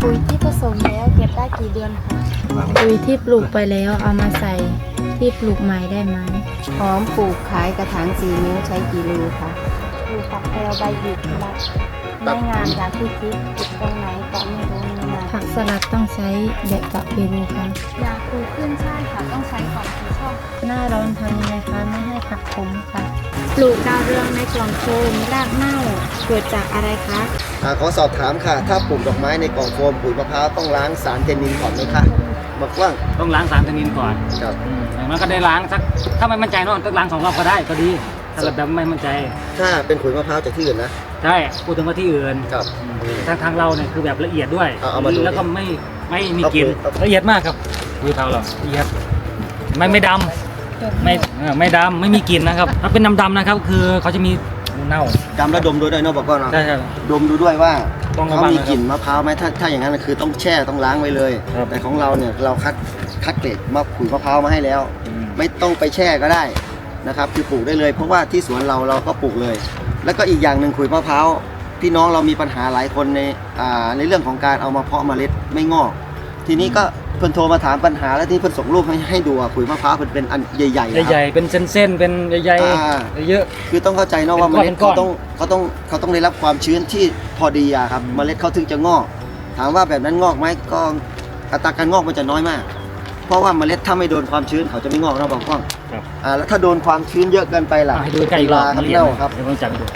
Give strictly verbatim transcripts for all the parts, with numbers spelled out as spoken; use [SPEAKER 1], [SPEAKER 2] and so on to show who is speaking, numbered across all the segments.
[SPEAKER 1] ปุ๋ยที่ผสมแล้วเก็บได้กี่เดือนคะปุ๋ยที่ปลูกไปแล้วเอามาใส่ที่ปลูกใหม่ได้ไหมหอมปลูกขายกระถางสี่นิ้วใช้กี่รูคะปลูกตัดแพลวใบหยิกรัดไม่งามอย่างที่คิดติดตรงไหนก็ไม่รู้นี่นะผักสลัดต้องใช้แบบกับเปรูคะยาคูขึ้นใช่ค่ะต้องใช้ก่อนที่ช่องหน้าร้อนทำยังไงคะไม่ให้ผักขมค่ะปลูกดาวเรืองในกล่องโฟมรากเน่าเกิดจากอะไรคะ
[SPEAKER 2] อ่าขอสอบถามค่ะถ้าปลูกดอกไม้ในกล่องโฟมปุ๋ยมะพร้าวต้องล้างสารเทนนินก่อนไหมคะบอกว่า
[SPEAKER 3] ต้องล้างสารเทนนินก่อน
[SPEAKER 2] ครับ
[SPEAKER 3] อย่างนั้นก็ได้ล้างสักถ้าไม่มั่นใจเนาะต้องล้างสองรอบก็ได้ก็ดีถ้าแบบไม่มั่นใจ
[SPEAKER 2] ถ้าเป็นขุยมะพร้าวจากที่อื่นนะ
[SPEAKER 3] ใช่พูดถึงว่าที่อื่น
[SPEAKER 2] ครับ
[SPEAKER 3] ทางทางเราเนี่ยคือแบบละเอียดด้วยแล้วก็ไม่ไม่มีกลิ่น
[SPEAKER 2] ละ
[SPEAKER 3] เอียดมากครับคุยเทาเราละเอียดไม่ไม่ดำไม่ไม่ดำไม่มีกลิ่นนะครับถ้าเป็นดำๆนะครับคือเขาจะมีเน่า
[SPEAKER 2] ดำแล้วดมด้วยเนาะบอกว่าเนาะ
[SPEAKER 3] ใช่ใช่
[SPEAKER 2] ดมดูด้วยว่าเขามีกลิ่นมะพร้าวไหมถ้าถ้าอย่างนั้นคือต้องแช่ต้องล้างไว้เลยแต่ของเราเนี่ยเราคัดคัดเกรดมะขุยมะพร้าวมาให้แล้วไม่ต้องไปแช่ก็ได้นะครับคือปลูกได้เลยเพราะว่าที่สวนเราเราก็ปลูกเลยแล้วก็อีกอย่างหนึ่งขุยมะพร้าวพี่น้องเรามีปัญหาหลายคนในอ่าในเรื่องของการเอามาเพาะเมล็ดไม่งอกทีนี้ก็เพิ่นโทรมาถามปัญหาแล้วที่เพิ่นส่งรูปให้ให้ดูขุยมะพร้าวเป็นเป็นอันใหญ่ๆ
[SPEAKER 3] ใหญ่ๆเป็นเส้นๆเป็นใหญ่ๆเยอะ
[SPEAKER 2] คือต้องเข้าใจเนาะว่าเมล็ดเขาต้องเขาต้องเขาต้องได้รับความชื้นที่พอดีอะครับเมล็ดเขาถึงจะงอกถามว่าแบบนั้นงอกไหมก็อัตราการงอกมันจะน้อยมากเพราะว่าเมล็ดถ้าไม่โดนความชื้นเขาจะไม่งอกนะบอกว่าอ่าแล้วถ้าโดนความชื้นเยอะเกินไปล่ะ
[SPEAKER 3] ให้ดูใกล้ลาครับเน่าครับเดี๋ยวผมจับดู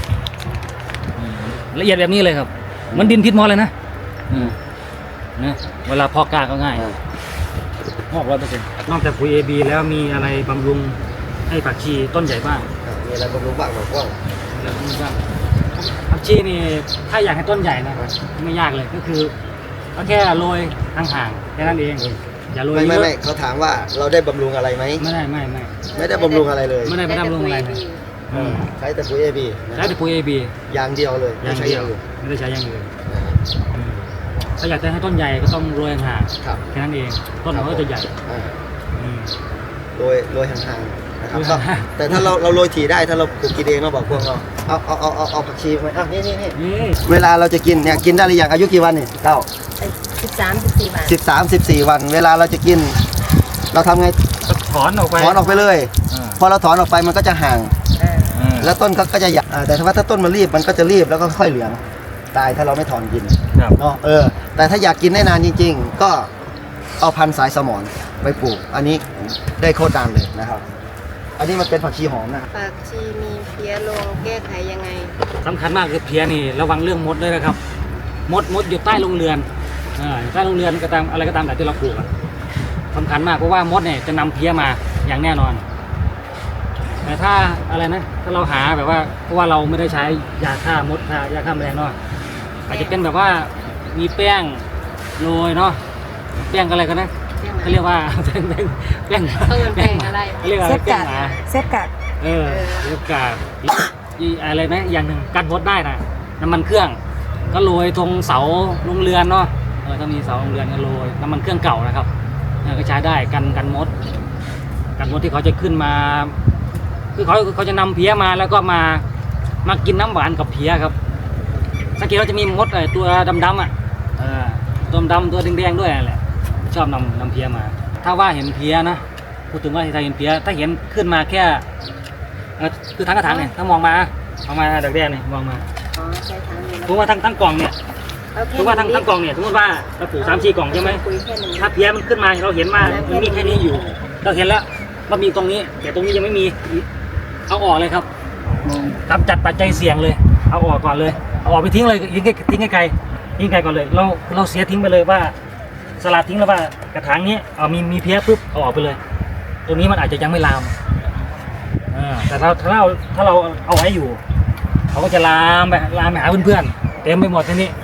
[SPEAKER 3] ละเอียดแบบนี้เลยครับมันดินพิษมอเลยนะนะเวลาเพาะกล้าก็ง่ายงอกร้อยเปอร์เซ็นต์นอกจากปุ๋ย เอ บี แล้วมีอะไรบำรุงให้ผักชีต้นใหญ่บ้าง
[SPEAKER 2] มีอะไรบำรุงบ้างบอกว่า
[SPEAKER 3] ผักชีนี่ถ้าอยากให้ต้นใหญ่นะไม่ยากเลยก็คือก็แค่โรยห่างๆแค่นั้นเองอย่าโรย
[SPEAKER 2] ไม่ไม่เขาถามว่าเราได้บำรุงอะไรไหม
[SPEAKER 3] ไม่ได้ไม่ไม่
[SPEAKER 2] ไม่ได้บำรุงอะไรเลย
[SPEAKER 3] ไม่ได้ไม่ได้บำรุงอะไรเลย
[SPEAKER 2] ใช้แต่ปุ๋ย เอ บี
[SPEAKER 3] ใช้แต่ปุ๋ย เอ บี
[SPEAKER 2] อย่างเดียวเลย
[SPEAKER 3] อย่างเดียวไม่ได้ใช้อย่างอื่นถ้าอยากจะให้ต้นใหญ่ก็ต้องโรยห่างแค่นั้นเองต้นมันก็จะใหญ่
[SPEAKER 2] โรยโรยห่างๆนะครับแต่ถ้าเราเราโรยถี่ได้ถ้าเราปลูกกินเองเราบอกพวกเราเอาเอาเอาเอาเอาผักชีไปอ่ะนี่นี่นี่เวลาเราจะกินเนี่ยกินได้หรือยังอายุกี่วันนี่เก้า
[SPEAKER 1] สิบสามสิบสี่วัน
[SPEAKER 2] สิบสามสิบสี่วันเวลาเราจะกินเราทำไง
[SPEAKER 3] ถอนออกไป
[SPEAKER 2] ถอนออกไปเลยพอเราถอนออกไปมันก็จะห่างแล้วต้นก็จะใหญ่แต่ถ้าว่าถ้าต้นมันรีบมันก็จะรีบแล้วก็ค่อยเหลืองตายถ้าเราไม่ถอนกินเนาะเออแต่ถ้าอยากกินได้นานจริงๆก็เอาพันธุ์สายสมอนไปปลูกอันนี้ได้โคตรดังเลยนะครับอันนี้มันเป็นผักชีหอมนะ
[SPEAKER 1] ผักชีมีเพี้ยลงแก้ไขยังไง
[SPEAKER 3] สำคัญมากคือเพี้ยนี่ระวังเรื่องมดด้วยนะครับมดมดอยู่ใต้โรงเรือนอ่าใต้โรงเรือนก็ตามอะไรก็ตามแต่ที่เราปลูกสำคัญมากเพราะว่ามดเนี่ยจะนำเพี้ยมาอย่างแน่นอนแต่ถ้าอะไรนะถ้าเราหาแบบว่าเพราะว่าเราไม่ได้ใช้ยาฆ่ามดยาฆ่าแมลงเนาะอาจจะเป็นแบบว่ามีแป้งโรยเนาะแป้งอะไรกันนะเขาเรียกว่าแป้งแป้งแป้ง
[SPEAKER 1] แป้งอะไร
[SPEAKER 3] เขาเรียกอะไรแป้งหมา
[SPEAKER 1] เซฟกัด
[SPEAKER 3] เออเซฟกัดอะไรนะอย่างหนึ่งกันมดได้นะน้ำมันเครื่องก็โรยตรงเสาโรงเรือนเนาะเออถ้ามีเสาโรงเรือนก็โรยน้ำมันเครื่องเก่านะครับก็ใช้ได้กันกันมดกันมดที่เขาจะขึ้นมาคือเขาเขาจะนำเพี้ยมาแล้วก็มามากินน้ำหวานกับเพี้ยครับสังเกตว่าจะมีมดไอ้ตัวดำๆอ่ะตัวดำตัวแดงๆด้วยแหละชอบนำนำเพี้ยมาถ้าว่าเห็นเพี้ยนะพูดถึงว่าถ้าเห็นเพี้ยถ้าเห็นขึ้นมาแค่คือทั้งกระถางเนี่ยถ้ามองมามองมาดอกแดงเนี่ยมองมาถือว่าทั้งทั้งกล่องเนี่ยถือว่าทั้งทั้งกล่องเนี่ยสมมติว่าเราปลูกสามสี่กล่องใช่ไหมถ้าเพี้ยมันขึ้นมาเราเห็นมามันมีแค่นี้อยู่เราเห็นแล้วว่ามีตรงนี้แต่ตรงนี้ยังไม่มีเอาออกเลยครับกำจัดปัจจัยเสี่ยงเลยเอาออกก่อนเลยเอาออกไปทิ้งเลยทิ้งทิ้งไกลทิ้งไกลก่อนเลยเราเราเสียทิ้งไปเลยว่าสลัดทิ้งแล้วว่ากระถางนี้เอามีมีเพี้ยปุ๊บเอาออกไปเลยตรงนี้มันอาจจะยังไม่ลามแต่ถ้าถ้าเราถ้าเราเอาไว้อยู่เขาก็จะลามไปลามไปหาเพื่อนๆเต็มไปหมดที่นี่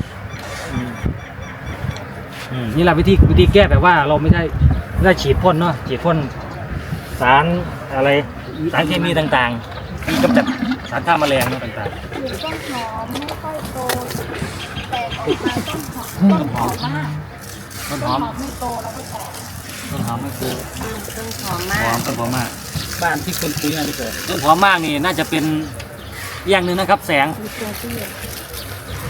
[SPEAKER 3] นี่แหละวิธีวิธีแก้แบบว่าเราไม่ได้ไม่ได้ฉีดพ่นเนาะฉีดพ่นสารอะไรสารเคมีต่างๆที่กำจัดสารฆ่าแมลงต่างๆ
[SPEAKER 1] ต้นหอมไม่ค่อยโตแต่ออกมาต้นหอมต้นหอมมาก
[SPEAKER 3] ต้นหอม
[SPEAKER 1] ไม่โตแล้วก็แตก
[SPEAKER 3] ต้นหอมไม่โต
[SPEAKER 1] ต้นหอมมาก
[SPEAKER 3] หอมต้นหอมมากบ้านที่คนคุยอะไรเกิดต้นหอมมากนี่น่าจะเป็นอย่างหนึ่งนะครับแสง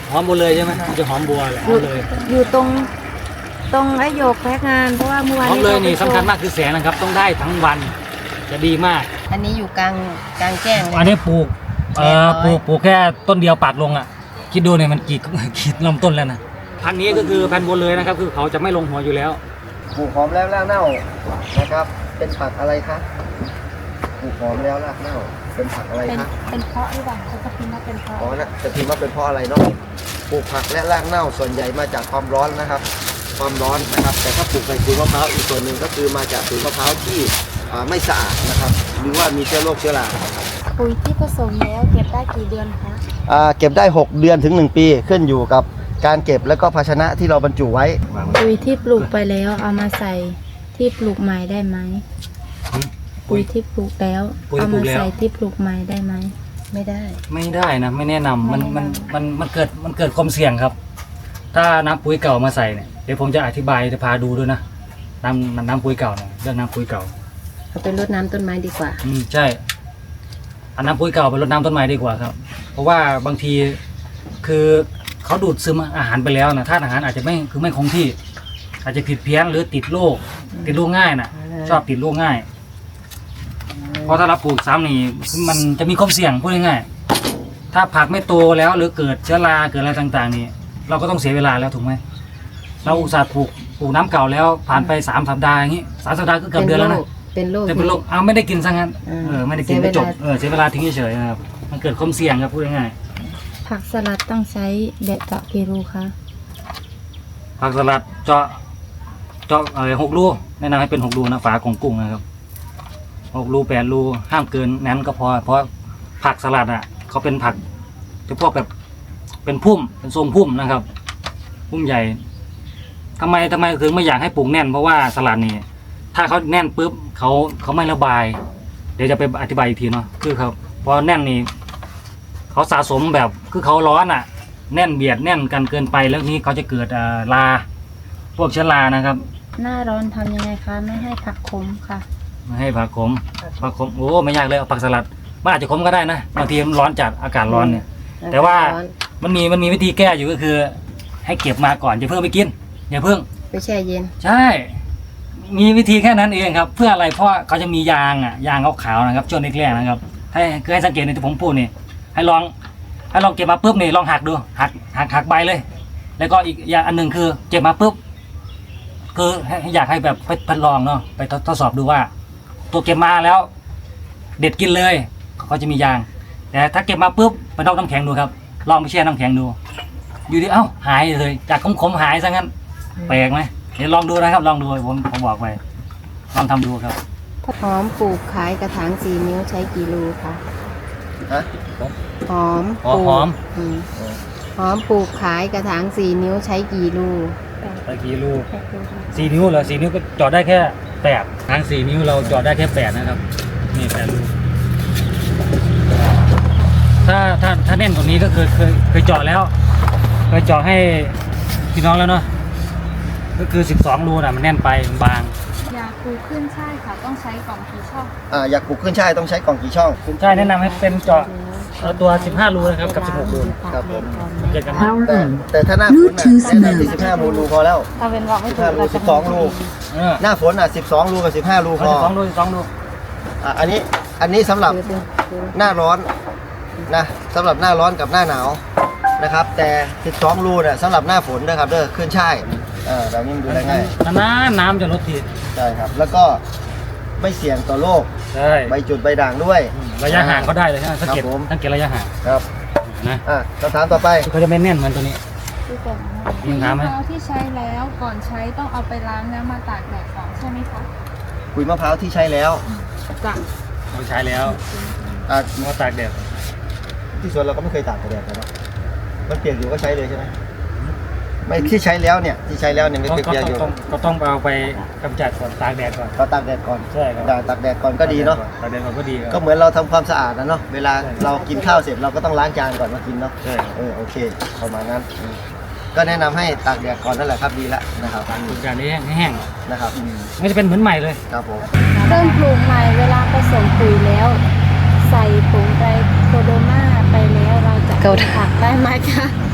[SPEAKER 3] หอมบัวเลยใช่ไหมมันจะหอมบัวแหละห
[SPEAKER 1] อ
[SPEAKER 3] อยู่ มเลย
[SPEAKER 1] อยู่ตรงตรงไอ้โยกแพ็กงานเพราะว่าเมื่อวาน
[SPEAKER 3] หอมเลยนี่
[SPEAKER 1] เราไป
[SPEAKER 3] สำคัญ
[SPEAKER 1] ช
[SPEAKER 3] มากคือแสงนะครับ ต้องได้ทั้งวันจะดีมาก
[SPEAKER 4] อันนี้อยู่กลางกลางแจ้งเลย
[SPEAKER 3] อันนี้ปลูกเอ่อ
[SPEAKER 4] แปดร้อย
[SPEAKER 3] ปลูกปลูกแค่ต้นเดียวปาดลงอ่ะคิดดูเนี่ยมันกี่ กี่ลำต้นแล้วนะพันธุ์นี้ก็คือพันธุ์บัวเลยนะครับ คือเขาจะไม่ลงหัวอยู่แล้ว
[SPEAKER 2] ปลูกหอมแล้วรากเน่านะครับ เป็นผักอะไรคะปลูกหอมแล้วรากเน่าเป็นผักอะไร
[SPEAKER 1] เป็น
[SPEAKER 2] คะ
[SPEAKER 1] เป็นเพราะหรือเปล่าเขาจะพิมพ์ว่าเป็นเพราะ
[SPEAKER 2] อ๋อนะจะพิมพ์ว่าเป็นเพราะอะไรเนาะปลูกผักและรากเน่าส่วนใหญ่มาจากความร้อนนะครับ ความร้อนนะครับ แต่ถ้าปลูกในสวนมะพร้าวอีกส่วนหนึ่งก็คือมาจากสวนมะพร้าวที่อ่าไม่สะอาดนะครับ หรือว่ามีเชื้อโรคเชื้อรา
[SPEAKER 1] ปุ๋ยที่ผสมแล้วเก็บได้กี่เดือนคะ
[SPEAKER 2] อ่าเก็บได้ หก เดือนถึง หนึ่ง ปีขึ้นอยู่กับการเก็บและก็ภาชนะที่เราบรรจุไว้
[SPEAKER 1] ปุ๋ยที่ปลูกไปแล้วเอามาใส่ที่ปลูกใหม่ได้ไหมปุ๋ยที่ปลูกแล้ว
[SPEAKER 3] ปุ๋ยที่
[SPEAKER 1] เอา
[SPEAKER 3] ปลู
[SPEAKER 1] มาก
[SPEAKER 3] แล้ว
[SPEAKER 1] ใส่ที่ปลูกใหม่ได้ไหม
[SPEAKER 4] ไม่ได้
[SPEAKER 3] ไม่ได้นะไม่แนะนำมัน
[SPEAKER 1] ไม่
[SPEAKER 3] มัน
[SPEAKER 1] แนะนำ
[SPEAKER 3] มันมันเกิดมันเกิดความเสี่ยงครับ ถ้าน้ำปุ๋ยเก่ามาใส่เนี่ยเดี๋ยวผมจะอธิบายจะพาดูด้วยนะน้ำน้ำปุ๋ยเก่าเนี่ยเรื่องน้ำปุ๋ยเก่า
[SPEAKER 4] เอาไปรดน้ำต้นไม้ดีกว่า
[SPEAKER 3] อืมใช่เอาน้ำปุ๋ยเก่าไปรดน้ำต้นไม้ดีกว่าครับ เพราะว่าบางทีคือเขาดูดซึมอาหารไปแล้วนะธาตุอาหารอาจจะไม่คือไม่คงที่ อาจจะผิดเพี้ยนหรือติดโรคติดโรคง่ายนะ
[SPEAKER 4] อืม
[SPEAKER 3] ชอบติดโรคง่าย เพราะถ้าเราปลูกซ้ำนี่มันจะมีความเสี่ยงพูดง่ายๆถ้าผักไม่โตแล้วหรือเกิดเชื้อราเกิดอะไรต่างๆ นี่เราก็ต้องเสียเวลาแล้วถูกไหมเราอุตส่าห์ปลูกปลูกน้ำเก่าแล้วผ่านไปสามสัปดาห์อย่างนี้สามสัปดาห์ก็เกือบเดือนแล้วนะ
[SPEAKER 4] เป็นโรค
[SPEAKER 3] จะเป็นโรคเอาไม่ได้กินซะงั้น
[SPEAKER 4] อืม
[SPEAKER 3] เออไม่ได้กิน
[SPEAKER 4] เสีย
[SPEAKER 3] ไม่จบ
[SPEAKER 4] เวลา
[SPEAKER 3] เออเสียเวลาทิ้งเฉยๆนะครับมันเกิดความเสี่ยงครับพูดง่าย
[SPEAKER 1] ผักสลัดต้องใช้แบบเจาะกี่รูคะ
[SPEAKER 3] ๆผักสลัดเจาะเจาะเออหกรูแนะนำให้เป็นหกรูนะฝาของกุ้งนะครับหกรูแปดรูห้ามเกินนั้นก็พอเพราะผักสลัดอ่ะเขาเป็นผักจะพวกแบบเป็นพุ่มเป็นทรงพุ่มนะครับ พุ่มใหญ่ทำไมทำไมถึงไม่อยากให้ปลูกแน่นเพราะว่าสลัดนี่ถ้าเขาแน่นปุ๊บเขาเขาไม่ระบาย เดี๋ยวจะไปอธิบายอีกทีเนาะคือครับพอแน่นนี่เขาสะสมแบบคือเขาร้อนอ่ะ แน่นเบียดแน่นกันเกินไปแล้วนี้เขาจะเกิดอ่าราพวกเชื้อรานะครับ
[SPEAKER 1] หน้าร้อนทำยังไงคะไม่ให้ผักขมค่ะ
[SPEAKER 3] ไม่ให้ผักขมผักขมโอ้ไม่ยากเลยเอาผักสลัดมันอาจจะขมก็ได้นะบางทีมันร้อนจัดอากาศร้อนเนี่ย แต่ว่า
[SPEAKER 4] ร้อน
[SPEAKER 3] มันมีมันมีวิธีแก้อยู่ก็คือ ให้เก็บมาก่อนอย่าเพิ่งไปกินอย่าเพิ่ง
[SPEAKER 4] ไปแช่เย็น
[SPEAKER 3] ใช่ มีวิธีแค่นั้นเองครับ เพื่ออะไรเพราะว่าเขาจะมียางอ่ะยางขาวๆนะครับช่วงแรกๆนะครับให้คือให้สังเกตในที่ผมพูดนี่ให้ลองให้ลองเก็บมาปุ๊บนี่ลองหักดูหักหักหักใบเลย แล้วก็อีกอย่างอันหนึ่งคือเก็บมาปุ๊บคือให้อยากให้แบบไปทดลองเนาะไปทดทดสอบดูว่า ตัวเก็บมาแล้ว เด็ดกินเลยเขาจะมียาง แต่ถ้าเก็บมาปุ๊บไปนอกน้ำแข็งดูครับลองไปแช่น้ำแข็งดู อยู่ดีเอ้าหายเลยจากขมๆหายซะงั้นแปลกไหมเดี๋ยวลองดูนะครับ ลองดูผมผมบอกไปลองทำดูครับ
[SPEAKER 4] หอมปลูกขายกระถางสี่นิ้วใช้กี่รูคะ
[SPEAKER 2] ฮะ
[SPEAKER 4] หอม
[SPEAKER 3] อ๋อ
[SPEAKER 4] ปลูก
[SPEAKER 3] หอม
[SPEAKER 4] อืมหอมปลูกขายกระถางสี่นิ้วใช้กี่รู
[SPEAKER 3] ตะกี้ลูกสี่นิ้วเหรอสี่นิ้วก็จอดได้แค่แปดทางสี่นิ้วเราจอดได้แค่แปดนะครับนี่แปดลูกถ้าถ้าถ้าแน่นกว่านี้ก็เคยเคยเคยเจาะแล้วเคยเจาะให้พี่น้องแล้วเนาะก็คือสิบสองรูน่ะมันแน่นไปมันบาง
[SPEAKER 1] ยาคูขึ้นใช่ค่ะต้องใช้กล่องกี่ช่อง
[SPEAKER 2] อ่าอยากปลูกขึ้นช่ายต้องใช้กล่องกี่ช่อง
[SPEAKER 3] คุณชายแนะนำให้เป็นเจาะเอาตัวสิบห้ารูนะครับกับสิบหกรู
[SPEAKER 2] ครับผม
[SPEAKER 3] เกิดกัน
[SPEAKER 2] แต่แต่ถ้าหน้าฝนน่ะแนะนำที่สิบห้ารูพอแล้ว
[SPEAKER 1] ถ้าเป็นบอกไม่
[SPEAKER 2] สิบ
[SPEAKER 1] ถู
[SPEAKER 2] ห้าก รู
[SPEAKER 1] เรา
[SPEAKER 2] สิ
[SPEAKER 1] จะ
[SPEAKER 2] บสองรู
[SPEAKER 3] เออ
[SPEAKER 2] หน้าฝนอ่ะสิบสองรูกับสิบห้ารูพ
[SPEAKER 3] เอา
[SPEAKER 2] อ
[SPEAKER 3] สิบสองรูสิบสองรู
[SPEAKER 2] อ่ะอันนี้อันนี้สำหรับ
[SPEAKER 4] ดูดูดู
[SPEAKER 2] หน้าร้อนนะสำหรับหน้าร้อนกับหน้าหนาวนะครับ แต่สิบสองรูเนี่ยสำหรับหน้าฝนนะครับเด้อขึ้นช่ายเออแบบนี้มันดูได้ง่าย
[SPEAKER 3] นานๆน้ำจะลดที
[SPEAKER 2] ใช่ครับ แล้วก็ไม่เสี่ยงต่อโรค
[SPEAKER 3] ใช่
[SPEAKER 2] ใบจุดใบด่างด้วย
[SPEAKER 3] ระยะห่างก็ได้เลยใช่ไหมสังเกต
[SPEAKER 2] ครับผม
[SPEAKER 3] สังเกตระยะห่าง
[SPEAKER 2] ครับ
[SPEAKER 3] นะ
[SPEAKER 2] อ่ะคำถามต่อไป
[SPEAKER 3] เขาจะไม่แน่นเหมือนตัวนี้
[SPEAKER 1] ที่เป็น
[SPEAKER 3] มีคำถามไหม
[SPEAKER 5] มะพร้าวที่ใช้แล้วก่อนใช้ต้องเอาไปล้างแล้วมาตากแดดก่อนใช่ไหมคะ
[SPEAKER 2] ขุยมะพร้าวที่ใช้แล้ว
[SPEAKER 5] จ้ะ
[SPEAKER 3] เราใช้แล้ว
[SPEAKER 2] อ่ะ
[SPEAKER 3] มาตากแดด
[SPEAKER 2] ที่สวนเราก็ไม่เคยตากกระแดดนะมันเปียกอยู่ก็ใช้เลยใช่ไหมไม่ที่ใช้แล้วเนี่ยที่ใช้แล้วเนี่ยไม่
[SPEAKER 3] ก็
[SPEAKER 2] เปียก
[SPEAKER 3] ก็
[SPEAKER 2] ๆอยู่
[SPEAKER 3] ต้องก็ต้องเอาไปกำจัดก่อนตากแดดก่อน
[SPEAKER 2] ก็ตากแดดก่อน
[SPEAKER 3] ใช่ครับ
[SPEAKER 2] ด่างตากแดดก่อนก็ดีเนาะ
[SPEAKER 3] ตากแดดก่อนก็ดีครับ
[SPEAKER 2] ก็เหมือนเราทำความสะอาดนะเนาะเวลาเรากินข้าวเสร็จเราก็ต้องล้างจานก่อนมากินเนาะ
[SPEAKER 3] ใช่ครับ
[SPEAKER 2] เออโอเคประมาณนั้นอืมก็แนะนำให้ตากแดดก่อนนั่นแหละครับดีละนะครับ
[SPEAKER 3] ปลูกการนี้แห้ง
[SPEAKER 2] นะครับอืม
[SPEAKER 3] ๆไม่จะเป็นเหมือนใหม่เลย
[SPEAKER 2] ครับผม
[SPEAKER 1] เริ่มปลูกใหม่เวลาผสมปุ๋ยแล้ว ใส่ผงไตรโคโดมาไปแล้วเราจะ
[SPEAKER 4] เกา
[SPEAKER 1] ปลูกผักได้ไหมคะ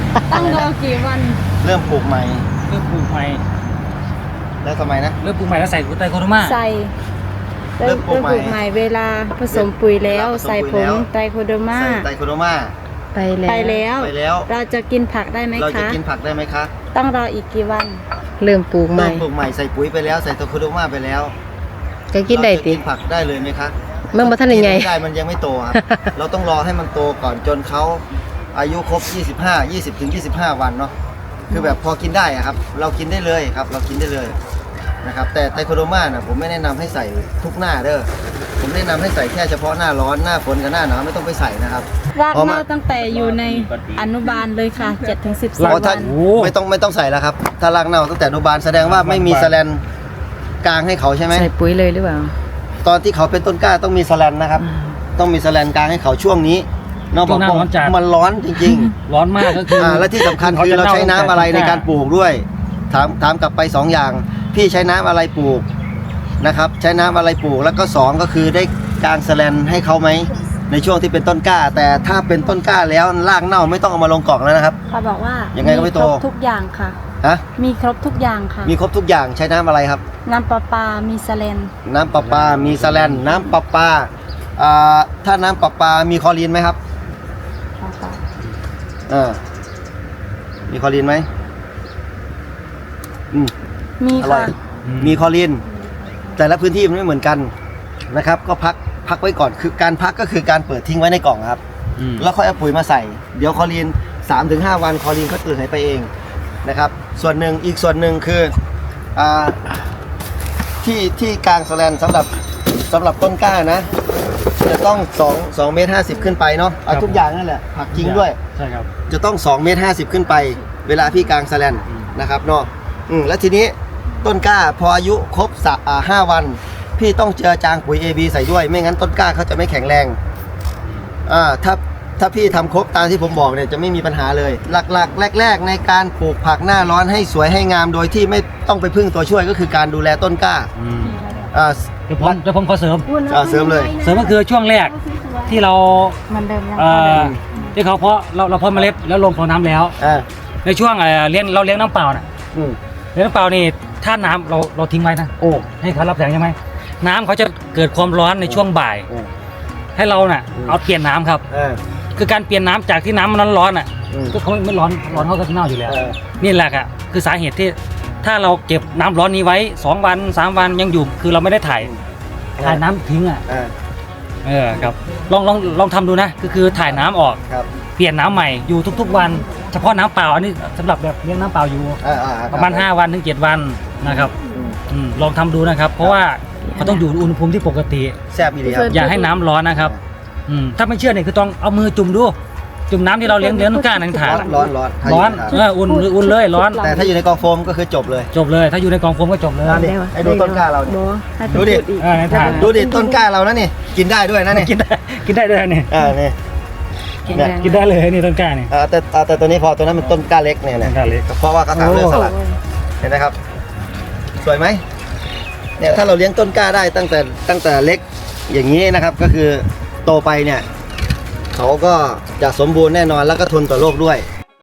[SPEAKER 5] ต้องรอกี่วัน
[SPEAKER 2] เริ่มปลูกใหม่
[SPEAKER 3] เริ่มปลูกใหม่
[SPEAKER 2] แล้วทำไมนะ
[SPEAKER 3] เริ่มปลูกใหม่แล้วใส่ไตรโคโดมา
[SPEAKER 1] ใส่
[SPEAKER 2] เริ่มปลูกใหม่
[SPEAKER 1] เริ่มปลูกใหม่เวลาผสมปุ๋ยแล้ว
[SPEAKER 2] เวลาผสม
[SPEAKER 1] ใส่
[SPEAKER 2] ปุ๋
[SPEAKER 1] ผ
[SPEAKER 2] ยแล้
[SPEAKER 1] ง
[SPEAKER 2] ว
[SPEAKER 1] ไตรโคโดมา
[SPEAKER 2] ใส่ไตรโคโดมา
[SPEAKER 4] ไปแล้ว
[SPEAKER 1] ไปแล้ว
[SPEAKER 2] ไปแล้ว
[SPEAKER 1] เราจะกินผักได้ไหม
[SPEAKER 2] เราจะ
[SPEAKER 1] คะ
[SPEAKER 2] กินผักได้ไหมคะ
[SPEAKER 1] ต้องรออีกกี่วัน
[SPEAKER 4] เริ่มปลูกให
[SPEAKER 2] เริ่
[SPEAKER 4] ม่
[SPEAKER 2] มปลูกใหม่ใส่ปุ๋ยไปแล้วใส่ไตรโคโดมาไปแล้ว
[SPEAKER 4] จะกินได้
[SPEAKER 2] เราจะ
[SPEAKER 4] ติ
[SPEAKER 2] กินผักได้เลยไหมคะ
[SPEAKER 4] เมื่อมาท่านยังไง
[SPEAKER 2] กิไม่ได้มันยังไม่โต ครับ เราต้องรอให้มันโตก่อนจนเขาอายุครบยี่สิบห้า ยี่สิบถึงยี่สิบห้าวันเนาะคือแบบพอกินได้อะครับ เรากินได้เลยครับ เรากินได้เลยนะครับแต่ไตรโคโดมาน่ะผมไม่แนะนำให้ใส่ทุกหน้าเด้อผมแนะนำให้ใส่แค่เฉพาะหน้าร้อนหน้าฝนกับหน้าหนาวไม่ต้องไปใส่นะครับ
[SPEAKER 1] ราก
[SPEAKER 2] เพราะมั
[SPEAKER 1] เน่าน ตั้งแต่อยู่ในอนุบาลเลยค่ะเจ็ดถึงสิบส
[SPEAKER 2] เพ
[SPEAKER 1] อง
[SPEAKER 2] ราะถ้า
[SPEAKER 1] วัน
[SPEAKER 2] ไม่ต้องไม่ต้องใส่แล้วครับ ถ้ารากเน่าตั้งแต่อนุบาลแสดงว่าไม่มีแสแลนกลางให้เขาใช่ไหม
[SPEAKER 4] ใส่ปุ๋ยเลยหรือเปล่า
[SPEAKER 2] ตอนที่เขาเป็นต้นกล้าต้องมีแสแลนนะครับ ต้องมีแสแลนกลางให้เขาช่วงนี้นอก
[SPEAKER 3] ช่วงหน้า
[SPEAKER 2] บอก
[SPEAKER 3] ร้อนจัด
[SPEAKER 2] มันร้อนจริง
[SPEAKER 3] ร้อนมากก็คือ
[SPEAKER 2] ๆ อ่าและที่สำคัญคือเราใช้น้ำอะไรในการปลูกด้วย ถามถามกลับไปสองอย่าง พี่ใช้น้ำอะไรปลูกนะครับ ใช้น้ำอะไรปลูกแล้วก็สองก็คือได้กลางแสแลนให้เขาไหมในช่วงที่เป็นต้นกล้า แต่ถ้าเป็นต้นกล้าแล้วรากเน่าไม่ต้องเอามาลงกล่องแล้วนะครับ
[SPEAKER 1] เขาบอกว่า
[SPEAKER 2] ยั
[SPEAKER 1] ยัง
[SPEAKER 2] ไงก็ไม่โต
[SPEAKER 1] ครบทุกอย่างค่ะ
[SPEAKER 2] ฮะ
[SPEAKER 1] มีครบทุกอย่างค่ะ
[SPEAKER 2] มีครบทุกอย่างใช้น้ำอะไรครับ
[SPEAKER 1] น้ำประปา มีสเลน
[SPEAKER 2] น้ำประปา มีแสแลนน้ำประปาอ่าถ้าน้ำประปา มีคลอรีนไหมครับอ่ามีคลอรีนไหมอืม
[SPEAKER 1] มี
[SPEAKER 2] อร่อ
[SPEAKER 1] ค่ะ
[SPEAKER 2] ย มีคลอรีน แต่ละพื้นที่มันไม่เหมือนกันนะครับ ก็พักพักไว้ก่อน คือการพักก็คือการเปิดทิ้งไว้ในกล่องครับ
[SPEAKER 3] อืม
[SPEAKER 2] แล้วค่อยเอาปุ๋ยมาใส่ เดี๋ยวคลอรีน สามถึงห้า วันคลอรีนก็ตื่นหายไปเองนะครับ ส่วนหนึ่งอีกส่วนหนึ่งคืออ่าที่ที่กลางแสแลนสำหรับสำหรับต้นกล้านะ จะต้อง2 2เมตร50 ขึ้นไปเนาะเอาทุกอย่างนั่นแหละผักจริงด้วย
[SPEAKER 3] ใช่ครับ
[SPEAKER 2] จะต้อง2เมตร50 ขึ้นไป เวลาพี่กลางแสแลนนะครับเนาะอืมแล้วทีนี้ต้นกล้าพออายุครบสะอ่าห้าวัน พี่ต้องเจือจางปุ๋ย เอ บี ใส่ด้วย ไม่งั้นต้นกล้าเขาจะไม่แข็งแรงอ่าถ้าถ้าพี่ทำครบตามที่ผมบอกเนี่ยจะไม่มีปัญหาเลย หลักๆ แรก ๆ ในการปลูกผักหน้าร้อนให้สวยให้งามโดยที่ไม่ต้องไปพึ่งตัวช่วยก็คือการดูแลต้นกล้า
[SPEAKER 3] อืม
[SPEAKER 2] อ่า
[SPEAKER 3] เดี๋ยวผมเดี๋ยวผมขอเสริม
[SPEAKER 2] อ่าเสริมเลย
[SPEAKER 3] เสริมก็คือช่วงแรกที่เรา
[SPEAKER 1] เหมันเดิมยัง
[SPEAKER 3] เอ่อที่เขาเพาะเราเราเพาะเมล็ดแล้วลงพอน้ำแล้ว
[SPEAKER 2] อ่า
[SPEAKER 3] ในช่วงเอ่อเลี้ยงเราเลี้ยงน้ำเปล่าน่ะ
[SPEAKER 2] อืม
[SPEAKER 3] เลี้ยงน้ำเปล่านี่ถ้าน้ำเราเราทิ้งไว้นะ
[SPEAKER 2] โอ้
[SPEAKER 3] ให้เขารับแสงใช่ไหมน้ำเขาจะเกิดความร้อนในช่วงบ่าย
[SPEAKER 2] โอ้
[SPEAKER 3] ให้เราน่ะเอาเปลี่ยนน้ำครับ
[SPEAKER 2] อ่า
[SPEAKER 3] คือการเปลี่ยนน้ำจากที่น้ำมันร้อนๆอ่ะ
[SPEAKER 2] อืม
[SPEAKER 3] ก็เขาไม่ร้อนร้อนเขาก็เน่าอยู่แล้ว
[SPEAKER 2] เออ
[SPEAKER 3] นี่แหละค่ะคือสาเหตุที่ถ้าเราเก็บน้ำร้อนนี้ไว้สองวันสามวันยังอยู่คือเราไม่ได้ถ่ายถ่ายน้ำทิ้งอ่ะ
[SPEAKER 2] อ่า
[SPEAKER 3] เออครับลองลองลองทำดูนะก็คือถ่ายน้ำออก
[SPEAKER 2] ครับ
[SPEAKER 3] เปลี่ยนน้ำใหม่อยู่ทุกๆวัน เฉพาะน้ำเปล่าอันนี้สำหรับแบบเลี้ยงน้ำเปล่าอยู่
[SPEAKER 2] อ่าอ่าคบ
[SPEAKER 3] ประมาณห้าวันถึงเจ็ดวันนะครับ
[SPEAKER 2] อืม
[SPEAKER 3] อืมลองทำดูนะครับ เพราะว่าเขาต้องอยู่อุณหภูมิที่ปกติ
[SPEAKER 2] แซ่บอีหลีครับ
[SPEAKER 3] อย่าให้น้ำร้อนนะครับอืมถ้าไม่เชื่อเนี่ยคือต้องเอามือจุ่มดูจุ่มน้ำที่เราเลี้ยงเลี้ยงต้นกล้าในถาด
[SPEAKER 2] ร้อนร้อนร้อน
[SPEAKER 3] ร้อน
[SPEAKER 2] ถ้า
[SPEAKER 3] เอออุ่นอุ่นเลยร้อน
[SPEAKER 2] แต่ถ้าอยู่ในกองโฟมก็คือจบเลย
[SPEAKER 3] จบเลย ถ้าอยู่ในกองโฟมก็จบเลย
[SPEAKER 2] นั่นดิไอ้ดูต้นกล้าเราเนี่ย
[SPEAKER 1] โบให้ไป
[SPEAKER 2] ดูดิ
[SPEAKER 1] พูอีก
[SPEAKER 3] เออในถาด
[SPEAKER 2] ดูดิต้นกล้าเรานะนี่กินได้ด้วยนะนี่
[SPEAKER 3] กินได้กินได้ด้วยเนี่ย
[SPEAKER 2] อ่านี่
[SPEAKER 1] แข็ง
[SPEAKER 2] เนี่ย
[SPEAKER 1] แรง
[SPEAKER 3] กินได้เลยนี่ต้นกล้าเนี่ย
[SPEAKER 2] อ่าแต่อ่าแต่ตัวนี้พอตัวนั้นมันต้นกล้าเล็กเนี่ย
[SPEAKER 3] ต้
[SPEAKER 2] เนี่ย
[SPEAKER 3] นกล้าเล็ก
[SPEAKER 2] เพราะว่าเขาทำเรื่องสลัด
[SPEAKER 1] โอ้ย
[SPEAKER 2] เห็นไหมครับ สวยไหมเนี่ยถ้าเราเลี้ยงต้นกล้าได้ตั้งแต่ตั้งแต่เล็กอย่างนี้นะครับ ก็คือโตไปเนี่ยเขาก็จะสมบูรณ์แน่นอนแล้วก็ทนต่อโรคด้วย